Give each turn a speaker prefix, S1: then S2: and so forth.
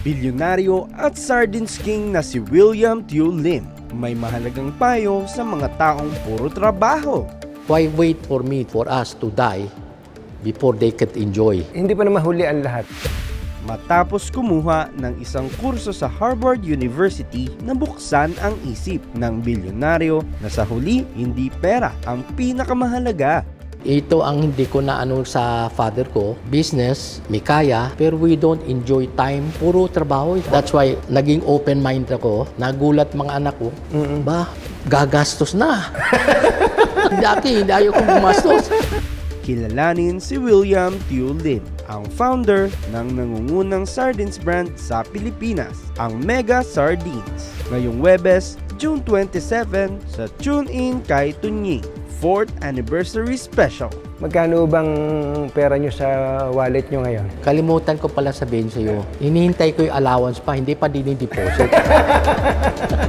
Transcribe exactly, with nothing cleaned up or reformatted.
S1: Bilyonaryo at Sardines King na si William Tew Lim may mahalagang payo sa mga taong puro trabaho.
S2: Why wait for me, for us to die before they could enjoy?
S3: Hindi pa na mahuli ang lahat.
S1: Matapos kumuha ng isang kurso sa Harvard University, nabuksan ang isip ng bilyonaryo na sa huli, hindi pera ang pinakamahalaga.
S2: Ito ang hindi ko na ano sa father ko. Business, may kaya, pero we don't enjoy time. Puro trabaho. That's why naging open-mind ako. Nagulat mga anak ko, ba, gagastos na. Dati, hindi ayaw kong gumastos.
S1: Kilalanin si William Tew Lim, ang founder ng nangungunang sardines brand sa Pilipinas, ang Mega Sardines. Ngayong Webes, June twenty-seven, sa Tune In kay Tunying, fourth Anniversary Special.
S3: Magkano bang pera nyo sa wallet nyo ngayon?
S2: Kalimutan ko pala sabihin sa iyo, hinihintay ko yung allowance pa, hindi pa dinideposit.